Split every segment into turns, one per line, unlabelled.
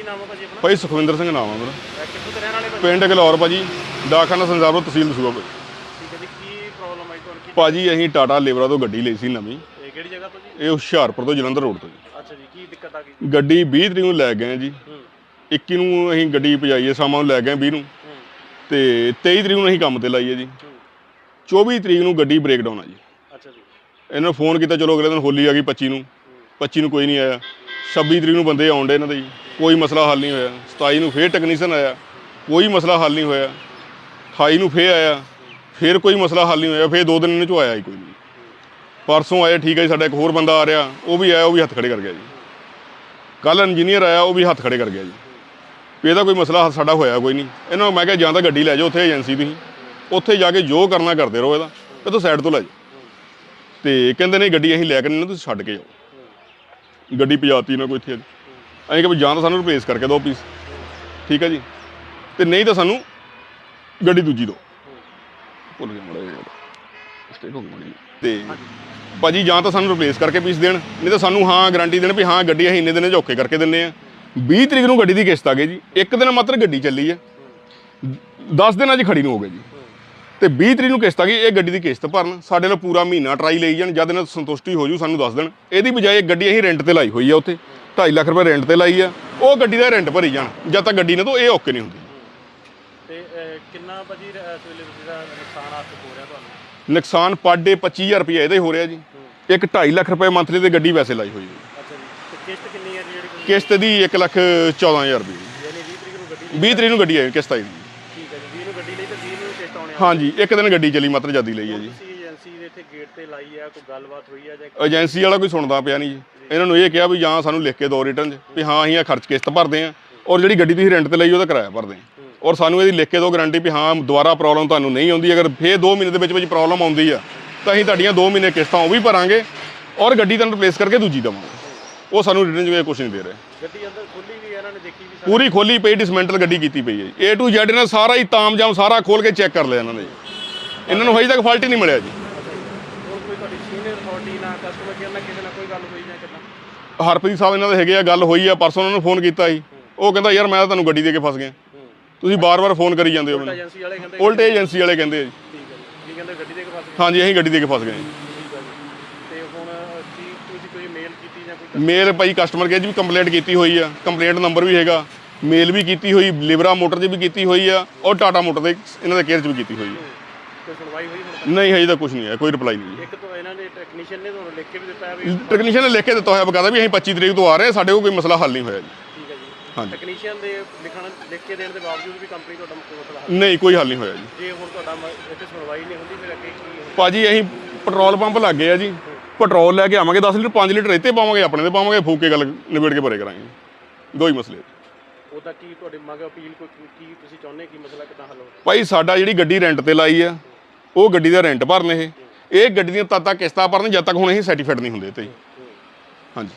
ਨਾਮ ਹੈ ਭਾਜੀ ਆਪਣਾ?
ਭਾਈ ਸੁਖਵਿੰਦਰ ਸਿੰਘ ਨਾਮ ਹੈ ਮੇਰਾ।
ਕਿੱਥੋਂ ਦੇ ਰਹਿਣ ਵਾਲੇ ਭਾਜੀ?
ਪਿੰਡ ਗਲੌਰ ਭਾਜੀ, ਡਾਕਖਾਨਾ ਸੰਸਾਰਪੁਰ, ਤਹਿਸੀਲ ਦਸੂਹਾ ਭਾਜੀ।
ਠੀਕ ਹੈ ਜੀ, ਕੀ ਪ੍ਰੋਬਲਮ ਆਈ ਤੁਹਾਨੂੰ?
ਭਾਜੀ ਅਸੀਂ ਟਾਟਾ ਲੇਬਰਾ ਤੋਂ ਗੱਡੀ ਲਈ ਸੀ ਨਵੀਂ।
ਇਹ ਕਿਹੜੀ ਜਗ੍ਹਾ ਤੋਂ ਜੀ?
ਇਹ ਹੁਸ਼ਿਆਰਪੁਰ ਤੋਂ ਜਲੰਧਰ ਰੋਡ ਤੋਂ ਜੀ।
ਅੱਛਾ ਜੀ, ਕੀ ਦਿੱਕਤ ਆ ਗਈ?
ਗੱਡੀ 20 ਤਰੀਕ ਨੂੰ ਲੈ ਗਏ ਜੀ। 21 ਨੂੰ ਅਸੀਂ ਗੱਡੀ ਭਜਾਈਏ, ਸ਼ਾਮਾਂ ਨੂੰ ਲੈ ਗਏ 20 ਨੂੰ, ਤੇ 23 ਤਰੀਕ ਨੂੰ ਅਸੀਂ ਕੰਮ ਤੇ ਲਾਈਏ ਜੀ। 24 ਤਰੀਕ ਨੂੰ ਗੱਡੀ ਬ੍ਰੇਕਡਾਊਨ ਆ ਜੀ।
ਅੱਛਾ ਜੀ।
ਇਹਨਾਂ ਨੂੰ ਫੋਨ ਕੀਤਾ, ਚਲੋ ਅਗਲੇ ਦਿਨ ਹੋਲੀ ਆ ਗਈ 25 ਨੂੰ। 25 ਨੂੰ ਕੋਈ ਨਹੀਂ ਆਇਆ। 26 ਤਰੀਕ ਨੂੰ ਬੰਦੇ ਆਉਣ ਡੇ ਇਹਨਾਂ ਦੇ ਜੀ, ਕੋਈ ਮਸਲਾ ਹੱਲ ਨਹੀਂ ਹੋਇਆ। 27 ਨੂੰ ਫੇਰ ਟੈਕਨੀਸ਼ੀਅਨ ਆਇਆ, ਕੋਈ ਮਸਲਾ ਹੱਲ ਨਹੀਂ ਹੋਇਆ। 28 ਨੂੰ ਫੇਰ ਆਇਆ, ਫੇਰ ਕੋਈ ਮਸਲਾ ਹੱਲ ਨਹੀਂ ਹੋਇਆ। ਫੇਰ 2 ਦਿਨ ਇਹਨਾਂ 'ਚੋਂ ਆਇਆ ਹੀ ਕੋਈ ਨਹੀਂ। ਪਰਸੋਂ ਆਇਆ, ਠੀਕ ਹੈ ਜੀ। ਸਾਡਾ ਇੱਕ ਹੋਰ ਬੰਦਾ ਆ ਰਿਹਾ, ਉਹ ਵੀ ਆਇਆ, ਉਹ ਵੀ ਹੱਥ ਖੜੇ ਕਰ ਗਿਆ ਜੀ। ਕੱਲ੍ਹ ਇੰਜੀਨੀਅਰ ਆਇਆ, ਉਹ ਵੀ ਹੱਥ ਖੜੇ ਕਰ ਗਿਆ ਜੀ। ਵੀ ਇਹਦਾ ਕੋਈ ਮਸਲਾ ਸਾਡਾ ਹੋਇਆ ਕੋਈ ਨਹੀਂ। ਇਹਨਾਂ ਨੂੰ ਮੈਂ ਕਿਹਾ ਜਾਂ ਤਾਂ ਗੱਡੀ ਲੈ ਜਾਓ ਉੱਥੇ ਏਜੰਸੀ ਤੁਸੀਂ, ਉੱਥੇ ਜਾ ਕੇ ਜੋ ਕਰਨਾ ਕਰਦੇ ਰਹੋ, ਇਹਦਾ ਇਹ ਤੋਂ ਸਾਈਡ ਤੋਂ ਲੈ ਜਾਓ। ਤੇ ਕਹਿੰਦੇ ਨਹੀਂ ਗੱਡੀ ਅਸੀਂ ਲੈ ਕੇ ਨਹੀਂ, ਤੁਸੀਂ ਛੱਡ ਕੇ ਜਾਓ। ਗੱਡੀ ਭਜਾਤੀ ਨਾ ਕੋਈ ਇੱਥੇ। ਅਸੀਂ ਕਿ ਵੀ ਜਾਂ ਤਾਂ ਸਾਨੂੰ ਰਿਪਲੇਸ ਕਰਕੇ ਦਿਓ ਪੀਸ, ਠੀਕ ਹੈ ਜੀ, ਤੇ ਨਹੀਂ ਤਾਂ ਸਾਨੂੰ ਗੱਡੀ ਦੂਜੀ ਦਿਓ। ਭੁੱਲ ਗਿਆ ਮਾੜਾ ਜਿਹਾ ਸਟੇਟ ਹੋ ਗਈ। ਤੇ ਭਾਜੀ ਜਾਂ ਤਾਂ ਸਾਨੂੰ ਰਿਪਲੇਸ ਕਰਕੇ ਪੀਸ ਦੇਣ, ਨਹੀਂ ਤਾਂ ਸਾਨੂੰ ਹਾਂ ਗਾਰੰਟੀ ਦੇਣ ਵੀ ਹਾਂ ਗੱਡੀ ਅਸੀਂ ਇੰਨੇ ਦਿਨਾਂ 'ਚ ਔਖੇ ਕਰਕੇ ਦਿੰਦੇ ਹਾਂ। 20 ਤਰੀਕ ਨੂੰ ਗੱਡੀ ਦੀ ਕਿਸ਼ਤ ਆ ਗਈ ਜੀ। ਇੱਕ ਦਿਨ ਮਾਤਰ ਗੱਡੀ ਚੱਲੀ ਆ, 10 ਦਿਨਾਂ 'ਚ ਖੜੀ ਨੂੰ ਹੋ ਗਏ ਜੀ। ਤੇ 20 ਤਰੀਕ ਨੂੰ ਕਿਸ਼ਤ ਆ ਗਈ। ਇਹ ਗੱਡੀ ਦੀ ਕਿਸ਼ਤ ਭਰਨ, ਸਾਡੇ ਨਾਲ ਪੂਰਾ ਮਹੀਨਾ ਟਰਾਈ ਲਈ ਜਾਣ, ਜਦ ਇਹਨਾਂ ਸੰਤੁਸ਼ਟੀ ਹੋ ਜੂ ਸਾਨੂੰ ਦੱਸ ਦੇਣ। ਇਹਦੀ ਬਜਾਏ ਗੱਡੀ ਅਸੀਂ ਰੈਂਟ ਤੇ ਲਾਈ ਹੋਈ ਆ, ਉੱਥੇ 2.5 ਲੱਖ ਰੁਪਏ ਰੈਂਟ ਤੇ ਲਾਈ ਆ। ਉਹ ਗੱਡੀ ਦਾ ਰੈਂਟ ਭਰੀ ਜਾਣ ਜਦ ਤੱਕ ਗੱਡੀ ਨੇ ਤੋਂ ਇਹ ਓਕੇ ਨਹੀਂ ਹੁੰਦੀ।
ਤੇ ਕਿੰਨਾ ਭਾਜੀ ਇਸ ਵੇਲੇ ਦਾ ਨੁਕਸਾਨ ਆ ਹੋ ਰਿਹਾ ਤੁਹਾਨੂੰ?
ਨੁਕਸਾਨ ਪਰ ਡੇ 25,000 ਰੁਪਏ ਇਹਦਾ ਹੀ ਹੋ ਰਿਹਾ ਜੀ। ਇੱਕ 2.5 ਲੱਖ ਰੁਪਏ ਮੰਥਲੀ ਤੇ ਗੱਡੀ ਵੈਸੇ ਲਾਈ ਹੋਈ ਹੈ।
ਅੱਛਾ ਜੀ। ਤੇ ਕਿਸ਼ਤ ਕਿੰਨੀ ਹੈ ਜੀ ਜਿਹੜੀ?
ਕਿਸ਼ਤ ਦੀ 1,14,000 ਰੁਪਏ।
ਯਾਨੀ 20 ਤਰੀਕ ਨੂੰ ਗੱਡੀ?
20 ਤਰੀਕ ਨੂੰ ਗੱਡੀ ਆਈ ਕਿਸ਼ਤ ਆਈ ਜੀ।
ਠੀਕ ਹੈ ਜੀ, 20 ਨੂੰ ਗੱਡੀ ਲਈ ਤੇ 20 ਨੂੰ ਕਿਸ਼ਤ ਆਉਣੀ?
ਹਾਂਜੀ, ਇੱਕ ਦਿਨ ਗੱਡੀ ਚੱਲੀ ਮਾਤਰ ਜਿਆਦਾ ਲਈ ਹੈ ਜੀ।
ਤੁਸੀਂ ਏਜੰਸੀ ਦੇ ਇੱਥੇ ਗੇਟ ਤੇ ਲਾਈ ਆ, ਕੋਈ ਗੱਲਬਾਤ ਹੋਈ ਆ ਜਾਂ?
ਏਜੰਸੀ ਵਾਲਾ ਕੋਈ ਸੁਣਦਾ ਪਿਆ ਨਹੀਂ ਜੀ। ਇਹਨਾਂ ਨੂੰ ਇਹ ਕਿਹਾ ਵੀ ਜਾਂ ਸਾਨੂੰ ਲਿਖ ਕੇ ਦਿਓ ਰਿਟਰਨ 'ਚ ਵੀ ਹਾਂ ਅਸੀਂ ਇਹ ਖਰਚ ਕਿਸ਼ਤ ਭਰਦੇ ਹਾਂ, ਔਰ ਜਿਹੜੀ ਗੱਡੀ ਤੁਸੀਂ ਰੈਂਟ ਤੇ ਲਈ ਉਹਦਾ ਕਿਰਾਇਆ ਭਰਦੇ ਹਾਂ, ਔਰ ਸਾਨੂੰ ਇਹਦੀ ਲਿਖ ਕੇ ਦਿਓ ਗਾਰੰਟੀ ਵੀ ਹਾਂ ਦੁਬਾਰਾ ਪ੍ਰੋਬਲਮ ਤੁਹਾਨੂੰ ਨਹੀਂ ਆਉਂਦੀ। ਅਗਰ ਫੇਰ 2 ਮਹੀਨੇ ਦੇ ਵਿੱਚ ਪ੍ਰੋਬਲਮ ਆਉਂਦੀ ਆ ਤਾਂ ਅਸੀਂ ਤੁਹਾਡੀਆਂ 2 ਮਹੀਨੇ ਕਿਸ਼ਤਾਂ ਉਹ ਵੀ ਭਰਾਂਗੇ, ਔਰ ਗੱਡੀ ਤੁਹਾਨੂੰ ਰਿਪਲੇਸ ਕਰਕੇ ਦੂਜੀ ਦੇਵਾਂਗੇ। ਉਹ ਸਾਨੂੰ ਰਿਟਰਨ 'ਚ ਕੁਝ ਨਹੀਂ ਦੇ ਰਹੇ।
ਗੱਡੀ ਅੰਦਰ ਖੁੱਲੀ ਵੀ ਇਹਨਾਂ ਨੇ ਦੇਖੀ ਵੀ?
ਪੂਰੀ ਖੋਲੀ ਪਈ, ਡਿਸਮੈਂਟਲ ਗੱਡੀ ਕੀਤੀ ਪਈ ਹੈ ਜੀ। A to Z ਇਹਨਾਂ ਸਾਰਾ ਹੀ ਤਾਮਜਾਮ ਸਾਰਾ ਖੋਲ ਕੇ ਚੈੱਕ ਕਰ ਲਿਆ ਇਹਨਾਂ ਨੇ। ਇਹਨਾਂ ਨੂੰ ਹਜੇ ਤੱਕ ਫਾਲਟ ਹੀ ਨਹੀਂ ਮਿਲਿਆ ਜੀ।
ਹੋਰ ਕੋਈ ਤੁਹਾਡੀ ਸੀਨੀਅਰ ਅਥਾਰਟੀ ਨਾਲ, ਕਸਟਮਰ ਕੇਅਰ ਨਾਲ ਕਿਸੇ ਨਾਲ ਕੋਈ ਗੱਲ ਹੋਈ ਜਾਂ ਕਿੱਦਾਂ?
ਹਰਪ੍ਰੀਤ ਸਾਹਿਬ ਇਹਨਾਂ ਦੇ ਹੈਗੇ ਆ, ਗੱਲ ਹੋਈ ਆ। ਪਰਸੋਂ ਉਹਨਾਂ ਨੂੰ ਫੋਨ ਕੀਤਾ ਸੀ, ਉਹ ਕਹਿੰਦਾ ਯਾਰ ਮੈਂ ਤਾਂ ਤੁਹਾਨੂੰ ਗੱਡੀ ਦੇ ਕੇ ਫਸ ਗਿਆ, ਤੁਸੀਂ ਬਾਰ-ਬਾਰ ਫੋਨ ਕਰੀ ਜਾਂਦੇ ਹੋ ਮੈਨੂੰ।
ਏਜੰਸੀ ਵਾਲੇ ਕਹਿੰਦੇ?
ਉਲਟ ਏਜੰਸੀ ਵਾਲੇ ਕਹਿੰਦੇ ਆ ਜੀ।
ਠੀਕ ਹੈ ਜੀ। ਕੀ ਕਹਿੰਦੇ, ਗੱਡੀ ਦੇ ਕੇ ਫਸ ਗਏ?
ਹਾਂਜੀ, ਅਸੀਂ ਗੱਡੀ ਦੇ ਕੇ ਫਸ ਗਏ ਜੀ।
ਠੀਕ ਹੈ ਜੀ। ਤੇ ਹੁਣ ਕੀ ਤੁਸੀਂ ਕੋਈ ਮੇਲ ਕੀਤੀ ਜਾਂ ਕੋਈ?
ਮੇਲ ਭਾਈ ਕਸਟਮਰ ਕੇਅਰ 'ਚ ਵੀ ਕੰਪਲੇਂਟ ਕੀਤੀ ਹੋਈ ਆ, ਕੰਪਲੇਂਟ ਨੰਬਰ ਵੀ ਹੈਗਾ। ਮੇਲ ਵੀ ਕੀਤੀ ਹੋਈ, ਲਿਬਰਾ ਮੋਟਰ 'ਚ ਵੀ ਕੀਤੀ ਹੋਈ ਆ, ਔਰ ਟਾਟਾ ਮੋਟਰ ਦੇ ਇਹਨਾਂ ਦੇ ਕੇਅਰ 'ਚ ਵੀ ਕੀਤੀ ਹੋਈ ਆ।
ਕੋਈ ਸੁਣਵਾਈ ਹੋਈ ਹੁਣ ਤੱਕ?
ਨਹੀਂ, ਹਜੇ ਤਾਂ ਕੁਝ ਨਹੀਂ ਆਇਆ, ਕੋਈ ਰਿਪਲਾਈ ਨਹੀਂ।
ਇੱਕ ਤਾਂ ਇਹਨਾਂ ਦੇ ਟੈਕਨੀਸ਼ੀਅਨ ਨੇ ਤੁਹਾਨੂੰ ਲਿਖ ਕੇ ਵੀ ਦਿੱਤਾ ਹੈ ਵੀ?
ਟੈਕਨੀਸ਼ੀਅਨ ਨੇ ਲਿਖ ਕੇ ਦਿੱਤਾ ਹੋਇਆ ਬਕਾਇਦਾ ਵੀ ਅਸੀਂ 25 ਤਰੀਕ ਤੋਂ ਆ ਰਹੇ, ਸਾਡੇ ਕੋਲ ਕੋਈ ਮਸਲਾ ਹੱਲ ਨਹੀਂ ਹੋਇਆ ਜੀ।
ਠੀਕ ਹੈ ਜੀ।
ਹਾਂਜੀ।
ਟੈਕਨੀਸ਼ੀਅਨ ਦੇ ਲਿਖ ਕੇ ਦੇਣ ਦੇ ਬਾਵਜੂਦ ਵੀ ਕੰਪਨੀ ਤੁਹਾਡਾ ਮਸਲਾ ਹੱਲ?
ਨਹੀਂ, ਕੋਈ ਹੱਲ ਨਹੀਂ ਹੋਇਆ ਜੀ।
ਜੇ ਹੁਣ ਤੁਹਾਡਾ ਇੱਥੇ ਸੁਣਵਾਈ ਨਹੀਂ ਹੁੰਦੀ ਫਿਰ ਅੱਗੇ ਕੀ ਹੋਊ?
ਭਾਜੀ ਅਸੀਂ ਪੈਟਰੋਲ ਪੰਪ ਲੱਗ ਗਏ ਆ ਜੀ, ਪੈਟਰੋਲ ਲੈ ਕੇ ਆਵਾਂਗੇ 10 ਲੀਟਰ 5 ਲੀਟਰ ਇੱਥੇ ਪਾਵਾਂਗੇ, ਆਪਣੇ ਤੇ ਪਾਵਾਂਗੇ, ਫੂਕ ਕੇ ਗੱਲ ਨਿਬੇੜ ਕੇ ਭਰੇ ਕਰਾਂਗੇ। ਦੋ ਹੀ ਮਸਲੇ।
ਉਹਦਾ ਕੀ ਤੁਹਾਡੀ ਮੰਗ ਅਪੀਲ ਕੋਈ ਕੀ ਤੁਸੀਂ ਚਾਹੁੰਦੇ ਕੀ ਮਸਲਾ ਕਿੱਦਾਂ ਹੱਲ ਹੋਵੇ?
ਭਾਈ ਸਾਡਾ ਜਿਹੜੀ ਗੱਡੀ ਰੈਂਟ ਤੇ ਲਾਈ ਆ, ਉਹ ਗੱਡੀ ਦਾ ਰੈਂਟ ਭਰਨ, ਇਹ ਗੱਡੀ ਦੀਆਂ ਤਦ ਤੱਕ ਕਿਸ਼ਤਾਂ ਭਰਨ ਜਦ ਤੱਕ ਹੁਣ ਅਸੀਂ ਸਰਟੀਫਾਈਡ ਨਹੀਂ ਹੁੰਦੇ ਤੇ। ਹਾਂਜੀ।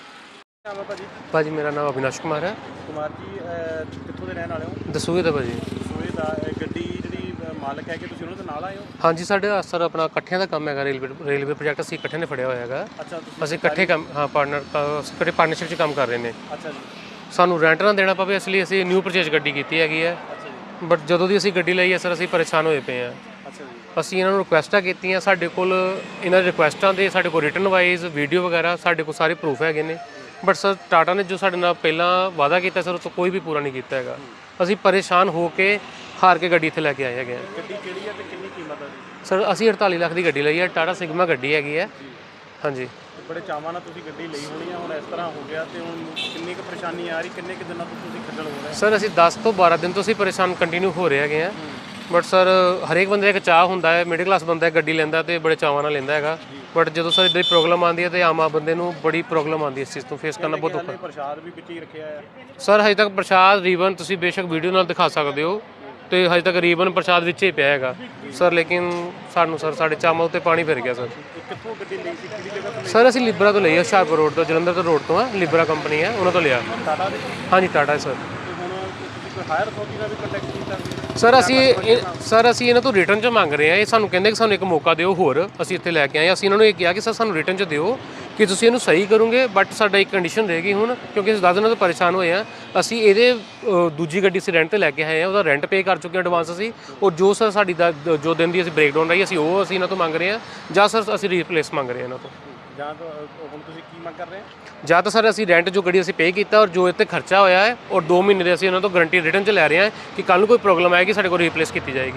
ਨਾਮ ਹੈ ਭਾਜੀ?
ਭਾਜੀ ਮੇਰਾ ਨਾਮ ਅਵਿਨਾਸ਼ ਕੁਮਾਰ ਹੈ।
ਕੁਮਾਰ ਜੀ, ਕਿੱਥੋਂ ਦੇ ਰਹਿਣ ਵਾਲੇ ਹੋ?
ਦਸੂਹੇ ਦਾ ਭਾਜੀ।
ਦਸੂਹੇ ਦਾ। ਗੱਡੀ ਜਿਹੜੀ ਮਾਲਕ ਹੈ ਕਿ ਤੁਸੀਂ ਉਹਨਾਂ ਦੇ ਨਾਲ ਆਏ ਹੋ?
ਹਾਂਜੀ, ਸਾਡੇ ਸਰ ਆਪਣਾ ਇਕੱਠਿਆਂ ਦਾ ਕੰਮ ਹੈਗਾ, ਰੇਲਵੇ ਪ੍ਰੋਜੈਕਟ ਅਸੀਂ ਇਕੱਠੇ ਨੇ ਫੜਿਆ ਹੋਇਆ ਹੈਗਾ।
ਅੱਛਾ।
ਅਸੀਂ ਇਕੱਠੇ ਕੰਮ, ਹਾਂ ਪਾਰਟਨਰਸ਼ਿਪ 'ਚ ਕੰਮ ਕਰ ਰਹੇ ਨੇ।
ਅੱਛਾ ਜੀ।
ਸਾਨੂੰ ਰੈਂਟ ਨਾ ਦੇਣਾ ਪਵੇ ਇਸ ਲਈ ਅਸੀਂ ਨਿਊ ਪਰਚੇਜ ਗੱਡੀ ਕੀਤੀ ਹੈਗੀ ਹੈ।
ਅੱਛਾ ਜੀ।
ਬਟ ਜਦੋਂ ਦੀ ਅਸੀਂ ਗੱਡੀ ਲਈ ਹੈ ਸਰ ਅਸੀਂ ਪਰੇਸ਼ਾਨ ਹੋਏ ਪਏ ਹਾਂ।
ਅੱਛਾ ਜੀ।
ਅਸੀਂ ਇਹਨਾਂ ਨੂੰ ਰਿਕੁਐਸਟਾਂ ਕੀਤੀਆਂ, ਸਾਡੇ ਕੋਲ ਇਹਨਾਂ ਦੀ ਰਿਕੁਐਸਟਾਂ ਦੇ ਸਾਡੇ ਕੋਲ ਰਿਟਨ ਵਾਈਜ਼ ਵੀਡੀਓ ਵਗੈਰਾ ਸਾਡੇ ਕੋਲ ਸਾਰੇ ਪ੍ਰੂਫ ਹੈਗੇ ਨੇ। ਬਟ ਸਰ ਟਾਟਾ ਨੇ ਜੋ ਸਾਡੇ ਨਾਲ ਪਹਿਲਾਂ ਵਾਅਦਾ ਕੀਤਾ ਸਰ ਉਹ ਤੋਂ ਕੋਈ ਵੀ ਪੂਰਾ ਨਹੀਂ ਕੀਤਾ ਹੈਗਾ। ਅਸੀਂ ਪਰੇਸ਼ਾਨ ਹੋ ਕੇ ਹਾਰ ਕੇ ਗੱਡੀ ਇੱਥੇ ਲੈ ਕੇ ਆਏ ਹੈਗੇ।
ਗੱਡੀ ਕਿਹੜੀ ਹੈ ਤੇ ਕਿੰਨੀ ਕੀਮਤ ਹੈ ਜੀ?
ਸਰ ਅਸੀਂ 48 ਲੱਖ ਦੀ ਗੱਡੀ ਲਈ ਹੈ, ਟਾਟਾ ਸਿਗਮਾ ਗੱਡੀ ਹੈਗੀ ਹੈ। ਹਾਂਜੀ।
ਬੜੇ ਚਾਵਾਂ ਨਾਲ ਤੁਸੀਂ ਗੱਡੀ ਲਈ ਹੋਣੀ ਹੈ, ਹੁਣ ਇਸ ਤਰ੍ਹਾਂ ਹੋ ਗਿਆ ਤੇ ਹੁਣ ਕਿੰਨੀ ਕੁ ਪਰੇਸ਼ਾਨੀ ਆ ਰਹੀ, ਕਿੰਨੇ ਕੁ ਦਿਨਾਂ ਤੋਂ ਤੁਸੀਂ ਖੱਜਲ ਹੋ ਰਹੇ?
ਸਰ ਅਸੀਂ 10 ਤੋਂ 12 ਦਿਨ ਤੋਂ ਅਸੀਂ ਪਰੇਸ਼ਾਨ ਕੰਟੀਨਿਊ ਹੋ ਰਹੇ ਹੈਗੇ ਆ। ਬਟ ਸਰ ਹਰੇਕ ਬੰਦੇ ਦਾ ਇੱਕ ਚਾਹ ਹੁੰਦਾ ਹੈ, ਮਿਡਲ ਕਲਾਸ ਬੰਦਾ ਗੱਡੀ ਲੈਂਦਾ ਤੇ ਬੜੇ ਚਾਵਾਂ ਨਾਲ ਲੈਂਦਾ ਹੈਗਾ। ਬਟ ਜਦੋਂ ਸਰ ਇੱਦਾਂ ਦੀ ਪ੍ਰੋਬਲਮ ਆਉਂਦੀ ਹੈ ਤੇ ਆਮ ਬੰਦੇ ਨੂੰ ਬੜੀ ਪ੍ਰੋਬਲਮ ਆਉਂਦੀ ਹੈ, ਇਸ ਚੀਜ਼ ਤੋਂ ਫੇਸ ਕਰਨਾ ਬਹੁਤ ਔਖਾ।
ਪ੍ਰਸ਼ਾਦ ਵੀ ਵਿੱਚ ਹੀ ਰੱਖਿਆ ਹੈ
ਸਰ ਹਜੇ ਤੱਕ ਪ੍ਰਸ਼ਾਦ ਰੀਬਨ ਤੁਸੀਂ ਬੇਸ਼ੱਕ ਵੀਡੀਓ ਨਾਲ ਦਿਖਾ ਸਕਦੇ ਹੋ, ਤੇ ਹਜੇ ਤੱਕ ਰੀਬਨ ਪ੍ਰਸ਼ਾਦ ਵਿੱਚ ਹੀ ਪਿਆ ਹੈਗਾ ਸਰ। ਲੇਕਿਨ ਸਾਨੂੰ ਸਰ ਸਾਡੇ ਚਾਵਾਂ ਉੱਤੇ ਪਾਣੀ ਫਿਰ ਗਿਆ ਸਰ।
ਕਿੱਥੋਂ ਗੱਡੀ ਲਈ ਸੀ, ਕਿਹੜੀ ਜਗ੍ਹਾ ਤੋਂ?
ਸਰ ਅਸੀਂ ਲਿਬਰਾ ਤੋਂ ਲਈ ਹੈ, ਹੁਸ਼ਿਆਰਪੁਰ ਰੋਡ ਤੋਂ, ਜਲੰਧਰ ਤੋਂ ਰੋਡ ਤੋਂ ਆ, ਲਿਬਰਾ ਕੰਪਨੀ ਹੈ, ਉਹਨਾਂ ਤੋਂ ਲਿਆ।
ਟਾਟਾ ਦੇ?
ਹਾਂਜੀ ਟਾਟਾ ਸਰ।
ਹੁਣ ਤੁਸੀਂ ਕੋਈ ਹਾਇਰ ਅਥਾਰਟੀ ਨਾਲ ਵੀ ਕੰਟੈਕਟ ਕੀਤਾ?
ਸਰ ਅਸੀਂ ਇਹਨਾਂ ਤੋਂ ਰਿਟਰਨ 'ਚ ਮੰਗ ਰਹੇ ਹਾਂ। ਇਹ ਸਾਨੂੰ ਕਹਿੰਦੇ ਕਿ ਸਾਨੂੰ ਇੱਕ ਮੌਕਾ ਦਿਓ ਹੋਰ, ਅਸੀਂ ਇੱਥੇ ਲੈ ਕੇ ਆਏ। ਅਸੀਂ ਇਹਨਾਂ ਨੂੰ ਇਹ ਕਿਹਾ ਕਿ ਸਰ ਸਾਨੂੰ ਰਿਟਰਨ 'ਚ ਦਿਓ ਕਿ ਤੁਸੀਂ ਇਹਨੂੰ ਸਹੀ ਕਰੋਗੇ, ਬਟ ਸਾਡਾ ਇੱਕ ਕੰਡੀਸ਼ਨ ਰਹੇਗੀ ਹੁਣ, ਕਿਉਂਕਿ ਅਸੀਂ 10 ਦਿਨਾਂ ਤੋਂ ਪਰੇਸ਼ਾਨ ਹੋਏ ਆ। ਅਸੀਂ ਇਹਦੇ ਦੂਜੀ ਗੱਡੀ ਅਸੀਂ ਰੈਂਟ ਤੇ ਲੈ ਕੇ ਆਏ ਆ, ਉਹਦਾ ਰੈਂਟ ਪੇ ਕਰ ਚੁੱਕੇ ਹਾਂ ਐਡਵਾਂਸ ਅਸੀਂ, ਔਰ ਜੋ ਸਰ ਸਾਡੀ ਜੋ ਦਿਨ ਦੀ ਅਸੀਂ ਬ੍ਰੇਕਡਾਊਨ ਰਹੀ ਅਸੀਂ ਉਹ ਇਹਨਾਂ ਤੋਂ ਮੰਗ ਰਹੇ ਹਾਂ, ਜਾਂ ਸਰ ਅਸੀਂ ਰੀਪਲੇਸ ਮੰਗ ਰਹੇ ਹਾਂ ਇਹਨਾਂ ਤੋਂ।
ਜਾਂ ਤਾਂ ਹੁਣ ਤੁਸੀਂ ਕੀ ਮੰਗ ਕਰ ਰਹੇ ਹੋ?
ਜਾਂ ਤਾਂ ਸਰ ਅਸੀਂ ਰੈਂਟ ਜੋ ਗੱਡੀ ਅਸੀਂ ਪੇ ਕੀਤਾ ਔਰ ਜੋ ਇੱਥੇ ਖਰਚਾ ਹੋਇਆ ਹੈ, ਔਰ 2 ਮਹੀਨੇ ਦੇ ਅਸੀਂ ਇਹਨਾਂ ਤੋਂ ਗਾਰੰਟੀ ਰਿਟਰਨ 'ਚ ਲੈ ਰਹੇ ਹਾਂ ਕਿ ਕੱਲ੍ਹ ਨੂੰ ਕੋਈ ਪ੍ਰੋਬਲਮ ਆਏਗੀ ਸਾਡੇ ਕੋਲ ਰੀਪਲੇਸ ਕੀਤੀ ਜਾਏਗੀ।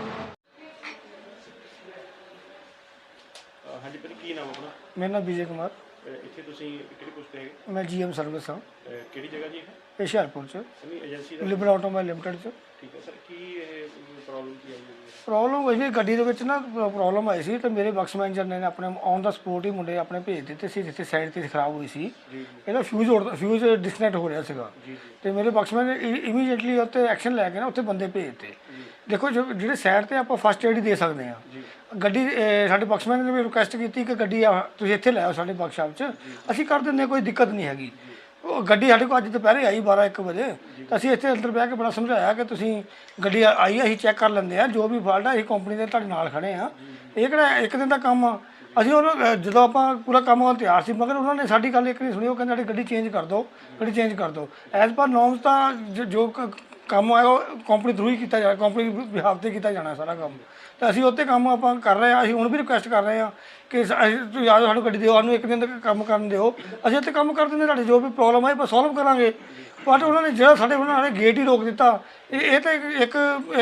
ਹਾਂਜੀ ਭਾਜੀ, ਕੀ ਨਾਮ ਆਪਣਾ?
ਮੇਰਾ ਨਾਮ ਵਿਜੇ ਕੁਮਾਰ,
ਇੱਥੇ ਤੁਸੀਂ ਕਿਹੜੀ ਪੋਸਟ ਤੇ ਹੈਗੇ?
ਮੈਂ ਜੀਐਮ ਸਰਵਿਸ ਹਾਂ
ਕਿਹੜੀ ਜਗ੍ਹਾ ਜੀ ਇਹ?
ਹੁਸ਼ਿਆਰਪੁਰ 'ਚ,
ਨਹੀਂ ਏਜੰਸੀ ਦਾ?
ਲਿਬਰਲ ਆਟੋਮੋਬਾਈਲ ਲਿਮਟਿਡ 'ਚ।
ਠੀਕ ਹੈ ਸਰ, ਕੀ ਇਹ ਪ੍ਰੋਬਲਮ ਕੀ ਆਈ ਹੈ?
ਪ੍ਰੋਬਲਮ ਹੋਈ ਸੀ ਗੱਡੀ ਦੇ ਵਿੱਚ ਨਾ, ਪ੍ਰੋਬਲਮ ਆਈ ਸੀ ਤੇ ਮੇਰੇ ਬਕਸ ਮੈਨੇਜਰ ਨੇ ਆਪਣੇ ਔਨ ਦਾ ਸਪੋਰਟ ਹੀ ਮੁੰਡੇ ਆਪਣੇ ਭੇਜ ਦਿੱਤੇ ਸੀ ਜਿੱਥੇ ਸਾਈਡ ਤੇ ਖਰਾਬ ਹੋਈ ਸੀ। ਇਹਦਾ ਫਿਊਜ਼ ਡਿਸਕਨੈਕਟ ਹੋ ਰਿਹਾ ਸੀਗਾ ਤੇ ਮੇਰੇ ਬਕਸ ਮੈਨੇਜਰ ਇਮੀਡੀਏਟਲੀ ਉੱਤੇ ਐਕਸ਼ਨ ਲੈ ਕੇ ਨਾ ਉੱਥੇ ਬੰਦੇ ਭੇਜਤੇ। ਦੇਖੋ ਜਿਹੜੇ ਸਾਈਡ ਤੇ ਆਪਾਂ ਫਸਟ ਏਡ ਹੀ ਦੇ ਸਕਦੇ ਹਾਂ। ਗੱਡੀ ਸਾਡੇ ਬਕਸ ਮੈਨੇਜਰ ਨੇ ਵੀ ਰਿਕੁਐਸਟ ਕੀਤੀ ਕਿ ਗੱਡੀ ਤੁਸੀਂ ਇੱਥੇ ਲੈ ਆਓ ਸਾਡੇ ਵਰਕਸ਼ਾਪ 'ਚ, ਅਸੀਂ ਕਰ ਦਿੰਦੇ, ਕੋਈ ਦਿੱਕਤ ਨਹੀਂ ਹੈਗੀ। ਉਹ ਗੱਡੀ ਸਾਡੇ ਕੋਲ ਅੱਜ ਦੁਪਹਿਰੇ ਆਈ 12-1 ਵਜੇ, ਤਾਂ ਅਸੀਂ ਇੱਥੇ ਅੰਦਰ ਬਹਿ ਕੇ ਬੜਾ ਸਮਝਾਇਆ ਕਿ ਤੁਸੀਂ ਗੱਡੀ ਆਈ ਅਸੀਂ ਚੈੱਕ ਕਰ ਲੈਂਦੇ ਆ, ਜੋ ਵੀ ਫਾਲਟ ਆ ਅਸੀਂ ਕੰਪਨੀ ਦੇ ਤੁਹਾਡੇ ਨਾਲ ਖੜੇ ਆ, ਇਹ ਕਿਹੜਾ ਇੱਕ ਦਿਨ ਦਾ ਕੰਮ ਆ। ਅਸੀਂ ਉਹਨੂੰ ਜਦੋਂ ਆਪਾਂ ਪੂਰਾ ਕੰਮ ਹੋਣ ਤਿਆਰ ਸੀ, ਮਗਰ ਉਹਨਾਂ ਨੇ ਸਾਡੀ ਗੱਲ ਇੱਕ ਨਹੀਂ ਸੁਣੀ। ਉਹ ਕਹਿੰਦੇ ਸਾਡੀ ਗੱਡੀ ਚੇਂਜ ਕਰ ਦਿਓ, ਗੱਡੀ ਚੇਂਜ ਕਰ ਦਿਓ। ਐਜ਼ ਪਰ ਨੋਰਮਸ ਤਾਂ ਜੋ ਕੰਮ ਆਇਆ ਉਹ ਕੰਪਨੀ ਥਰੂ ਹੀ ਕੀਤਾ ਜਾਣਾ, ਕੰਪਨੀ ਬਿਹਾਫ 'ਤੇ ਕੀਤਾ ਜਾਣਾ ਸਾਰਾ ਕੰਮ। ਤਾਂ ਅਸੀਂ ਉੱਤੇ ਕੰਮ ਆਪਾਂ ਕਰ ਰਹੇ ਹਾਂ। ਅਸੀਂ ਹੁਣ ਵੀ ਰਿਕੁਐਸਟ ਕਰ ਰਹੇ ਹਾਂ ਕਿ ਤੁਸੀਂ ਯਾਦ ਸਾਨੂੰ ਗੱਡੀ ਦਿਓ, ਸਾਨੂੰ ਇੱਕ ਦਿਨ ਤੱਕ ਕੰਮ ਕਰਨ ਦਿਓ, ਅਸੀਂ ਉੱਤੇ ਕੰਮ ਕਰ ਦਿੰਦੇ, ਤੁਹਾਡੀ ਜੋ ਵੀ ਪ੍ਰੋਬਲਮ ਆਏ ਆਪਾਂ ਸੋਲਵ ਕਰਾਂਗੇ। ਬਟ ਉਹਨਾਂ ਨੇ ਜਿਹੜਾ ਸਾਡੇ ਉਹਨਾਂ ਨੇ ਗੇਟ ਹੀ ਰੋਕ ਦਿੱਤਾ, ਇਹ ਤਾਂ ਇੱਕ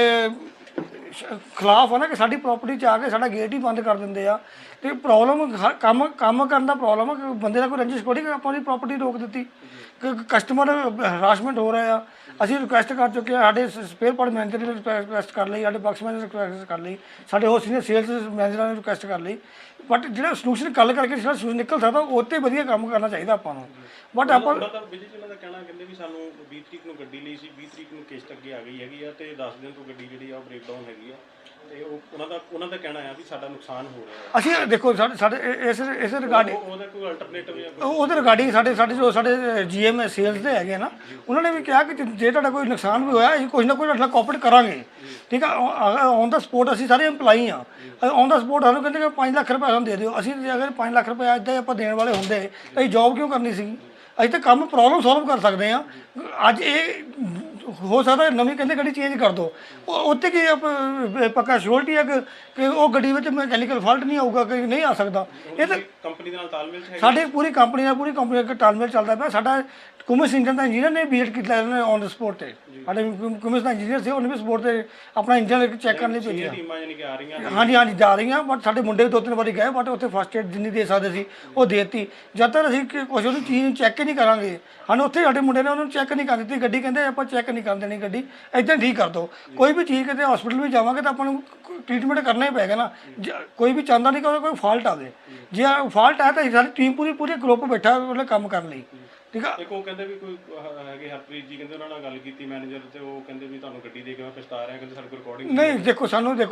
ਖਿਲਾਫ ਆ ਨਾ ਕਿ ਸਾਡੀ ਪ੍ਰਾਪਰਟੀ 'ਚ ਆ ਕੇ ਸਾਡਾ ਗੇਟ ਹੀ ਬੰਦ ਕਰ ਦਿੰਦੇ ਆ। ਅਤੇ ਪ੍ਰੋਬਲਮ ਕੰਮ ਕਰਨ ਦਾ ਪ੍ਰੋਬਲਮ ਆ ਕਿ ਬੰਦੇ ਦਾ ਕੋਈ ਰੰਜਿਸ਼ ਥੋੜ੍ਹੀ ਕਿ ਆਪਾਂ ਉਹਦੀ ਪ੍ਰਾਪਰਟੀ ਰੋਕ ਦਿੱਤੀ, ਕਿ ਕਸਟਮਰ ਹਰਾਸਮੈਂਟ ਹੋ ਰਿਹਾ ਆ। ਅਸੀਂ ਰਿਕੁਐਸਟ ਕਰ ਚੁੱਕੇ ਹਾਂ, ਸਾਡੇ ਸਪੇਅਰ ਪਾਰਟ ਮੈਨੇਜਰ ਨੇ ਰਿਕੁਐਸਟ ਕਰ ਲਈ, ਸਾਡੇ ਬਕਸ ਮੈਨੇਜਰ ਨੇ ਰਿਕੁਐਸਟ ਕਰ ਲਈ, ਸਾਡੇ ਹੋਰ ਸੀਨੀਅਰ ਸੇਲਸ ਮੈਨੇਜਰਾਂ ਨੇ ਰਿਕੁਐਸਟ ਕਰ ਲਈ। ਬਟ ਜਿਹੜਾ ਸੋਲੂਸ਼ਨ ਗੱਲ ਕਰਕੇ ਜਿਹੜਾ ਸੋਲੂਸ਼ਨ ਨਿਕਲ ਸਕਦਾ ਉਹ 'ਤੇ ਵਧੀਆ ਕੰਮ ਕਰਨਾ ਚਾਹੀਦਾ ਆਪਾਂ ਨੂੰ। ਬਟ ਆਪਾਂ
ਵਿਜੇ ਜੀ ਉਹਨਾਂ ਦਾ ਕਹਿਣਾ ਕਹਿੰਦੇ ਵੀ ਸਾਨੂੰ 20 ਤਰੀਕ ਨੂੰ ਗੱਡੀ ਲਈ ਸੀ, 20 ਤਰੀਕ ਨੂੰ ਕਿਸ਼ਤ ਅੱਗੇ ਆ ਗਈ ਹੈਗੀ ਆ ਅਤੇ 10 ਦਿਨ ਤੋਂ ਗੱਡੀ ਜਿਹੜੀ ਆ ਉਹ ਬ੍ਰੇਕਡਾਊਨ ਹੈਗੀ ਆ, ਅਤੇ ਉਹਨਾਂ ਦਾ ਕਹਿਣਾ ਆ ਵੀ ਸਾਡਾ ਨੁਕਸਾਨ ਹੋ ਰਿਹਾ।
ਅਸੀਂ ਦੇਖੋ ਸਾਡੇ ਇਸ ਰਿਗਾਰਡਿੰਗ
ਉਹਦਾ ਕੋਈ ਅਲਟਰਨੇਟਿਵ
ਉਹਦੇ ਰਿਗਾਰਡਿੰਗ ਸਾਡੇ ਜੀਐਮ ਸੇਲਸ ਦੇ ਹੈਗੇ ਨਾ, ਉਹਨਾਂ ਨੇ ਵੀ ਕਿਹਾ ਕਿ ਜੇ ਤੁਹਾਡਾ ਕੋਈ ਨੁਕਸਾਨ ਵੀ ਹੋਇਆ ਅਸੀਂ ਕੁਝ ਨਾ ਕੁਝ ਤੁਹਾਡੇ ਨਾਲ ਕੋਆਪਰੇਟ ਕਰਾਂਗੇ। ਠੀਕ ਆ, ਔਨ ਦਾ ਸਪੋਰਟ ਅਸੀਂ ਸਾਰੇ ਇੰਪਲਾਈ ਹਾਂ। ਔਨ ਦਾ ਸਪੋਰਟ ਸਾਨੂੰ ਕਹਿੰਦੇ ਕਿ 5 ਲੱਖ ਰੁਪਏ ਸਾਨੂੰ ਦੇ ਦਿਓ। ਅਸੀਂ ਅਗਰ 5 ਲੱਖ ਰੁਪਏ ਇੱਦਾਂ ਆਪਾਂ ਦੇਣ ਵਾਲੇ ਹੁੰਦੇ ਤਾਂ ਅਸੀਂ ਜੋਬ ਕਿਉਂ ਕਰਨੀ ਸੀ? ਅਸੀਂ ਤਾਂ ਕੰਮ ਪ੍ਰੋਬਲਮ ਸੋਲਵ ਕਰ ਸਕਦੇ ਹਾਂ। ਅੱਜ ਇਹ ਹੋ ਸਕਦਾ ਨਵੀਂ ਕਹਿੰਦੇ ਗੱਡੀ ਚੇਂਜ ਕਰ ਦਿਓ, ਉੱਥੇ ਕੀ ਪੱਕਾ ਸ਼ੋਰਟੀ ਹੈ ਕਿ ਉਹ ਗੱਡੀ ਵਿੱਚ ਮਕੈਨੀਕਲ ਫਾਲਟ ਨਹੀਂ ਆਊਗਾ, ਕਿ ਨਹੀਂ ਆ ਸਕਦਾ। ਇਹ ਤਾਂ
ਕੰਪਨੀ ਦੇ ਨਾਲ ਤਾਲਮੇਲ ਹੈ,
ਸਾਡੇ ਪੂਰੀ ਕੰਪਨੀ ਦਾ ਤਾਲਮੇਲ ਚੱਲਦਾ ਪਿਆ। ਸਾਡਾ ਕੁਮਿਸ ਇੰਜਨ ਦਾ ਇੰਜੀਨੀਅਰ ਨੇ ਵਿਜ਼ਿਟ ਕੀਤਾ ਉਹਨੇ ਔਨ ਦ ਸਪੋਟ 'ਤੇ। ਸਾਡੇ ਕੁਮਿਸ ਦਾ ਇੰਜੀਨੀਅਰ ਸੀ, ਉਹਨੇ ਵੀ ਸਪੋਟ 'ਤੇ ਆਪਣਾ ਇੰਜਨ ਚੈੱਕ ਕਰਨ ਲਈ ਭੇਜਿਆ।
ਟੀਮਾਂ ਯਾਨੀ ਕਿ ਆ ਰਹੀਆਂ?
ਹਾਂਜੀ ਜਾ ਰਹੀਆਂ, ਬਟ ਸਾਡੇ ਮੁੰਡੇ ਵੀ 2-3 ਵਾਰੀ ਗਏ, ਬਟ ਉੱਥੇ ਫਸਟ ਏਡ ਜਿੰਨੀ ਦੇ ਸਕਦੇ ਸੀ ਉਹ ਦੇ ਦਿੱਤੀ। ਜਦ ਤੱਕ ਅਸੀਂ ਕੁਛ ਉਹਨੂੰ ਚੀਜ਼ ਨੂੰ ਚੈੱਕ ਹੀ ਨਹੀਂ ਕਰਾਂਗੇ, ਸਾਨੂੰ ਉੱਥੇ ਸਾਡੇ ਮੁੰਡੇ ਨੇ ਉਹਨੂੰ ਚੈੱਕ ਨਹੀਂ ਕਰ ਦਿੱਤੀ ਗੱਡੀ, ਕਹਿੰਦੇ ਆਪਾਂ ਚੈੱਕ ਨਹੀਂ ਕਰਨ ਦੇਣੀ ਗੱਡੀ, ਇੱਦਾਂ ਠੀਕ ਕਰ ਦਿਓ। ਕੋਈ ਵੀ ਚੀਜ਼ ਕਿਤੇ ਹਸਪੀਟਲ ਵੀ ਜਾਵਾਂਗੇ ਤਾਂ ਆਪਾਂ ਨੂੰ ਟ੍ਰੀਟਮੈਂਟ ਕਰਨਾ ਹੀ ਪਏਗਾ ਨਾ। ਕੋਈ ਵੀ ਚਾਹੁੰਦਾ ਨਹੀਂ ਕਿ ਉਹਦਾ ਕੋਈ ਫਾਲਟ ਆਵੇ। ਜੇ ਫਾਲਟ ਹੈ ਤਾਂ ਸਾਡੀ ਟੀਮ ਪੂਰੀ ਗਰੁੱਪ ਬੈਠਾ ਉਹਨੇ ਕੰਮ ਕਰਨ ਲਈ। ਠੀਕ ਆ,
ਇੱਕ ਉਹ ਕਹਿੰਦੇ ਵੀ ਕੋਈ ਹੈਗੇ ਹਰਪ੍ਰੀਤ ਜੀ, ਕਹਿੰਦੇ ਉਹਨਾਂ ਨਾਲ ਗੱਲ ਕੀਤੀ ਮੈਨੇਜਰ, ਤੇ ਉਹ ਕਹਿੰਦੇ ਵੀ ਤੁਹਾਨੂੰ ਗੱਡੀ ਦੇ ਕੇ ਮੈਂ ਪਛਤਾ ਰਿਹਾ, ਕਹਿੰਦੇ ਸਾਡੇ ਕੋਲ ਰਿਕਾਰਡਿੰਗ
ਨਹੀਂ। ਦੇਖੋ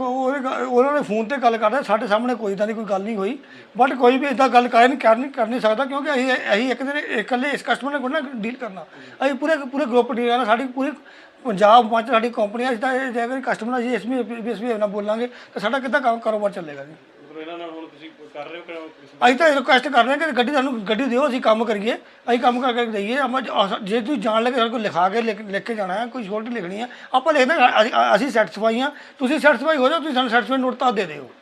ਉਹਨਾਂ ਨੇ ਫੋਨ ਤੇ ਗੱਲ ਕਰਦੇ, ਸਾਡੇ ਸਾਹਮਣੇ ਕੋਈ ਇੱਦਾਂ ਦੀ ਕੋਈ ਗੱਲ ਨਹੀਂ ਹੋਈ। ਬਟ ਕੋਈ ਵੀ ਇੱਦਾਂ ਗੱਲ ਕਰ ਨਹੀਂ ਸਕਦਾ, ਕਿਉਂਕਿ ਅਸੀਂ ਇੱਕ ਦਿਨ ਇਕੱਲੇ ਇਸ ਕਸਟਮਰ ਨਾਲ ਕੋਈ ਡੀਲ ਕਰਨਾ। ਅਸੀਂ ਪੂਰੇ ਗਰੁੱਪ ਡੀਲ ਕਰਨਾ। ਸਾਡੀ ਪੂਰੀ ਪੰਜਾਬ ਵਿੱਚ ਸਾਡੀ ਕੰਪਨੀ, ਅਸੀਂ ਤਾਂ ਜੇ ਅਗਰ ਕਸਟਮਰ ਅਸੀਂ ਇਸ ਵੀ ਨਾਲ ਬੋਲਾਂਗੇ ਤਾਂ ਸਾਡਾ ਕਿੱਦਾਂ ਕਾਰੋਬਾਰ ਚੱਲੇਗਾ ਜੀ।
ਇਹਨਾਂ ਨਾਲ ਹੁਣ ਤੁਸੀਂ ਕਰ ਰਹੇ ਹੋ?
ਅਸੀਂ ਤਾਂ ਰਿਕੁਐਸਟ ਕਰ ਰਹੇ ਹਾਂ ਕਿ ਸਾਨੂੰ ਗੱਡੀ ਦਿਓ, ਅਸੀਂ ਕੰਮ ਕਰੀਏ, ਅਸੀਂ ਕੰਮ ਕਰਕੇ ਦਈਏ। ਜੇ ਤੁਸੀਂ ਜਾਣ ਲੱਗੇ ਸਾਡੇ ਕੋਲ ਲਿਖਾ ਕੇ ਲਿਖ ਕੇ ਜਾਣਾ ਹੈ, ਕੋਈ ਸ਼ੋਰਟੀ ਲਿਖਣੀ ਹੈ, ਆਪਾਂ ਲਿਖਦੇ ਅਸੀਂ ਸੈਟੀਸਫਾਈ ਹਾਂ, ਤੁਸੀਂ ਸੈਟੀਸਫਾਈ ਹੋ ਜਾਓ, ਤੁਸੀਂ ਸਾਨੂੰ ਸੈਟੀਸਫਾਈ ਨੋਟ ਤਾਂ ਦੇ ਦਿਓ।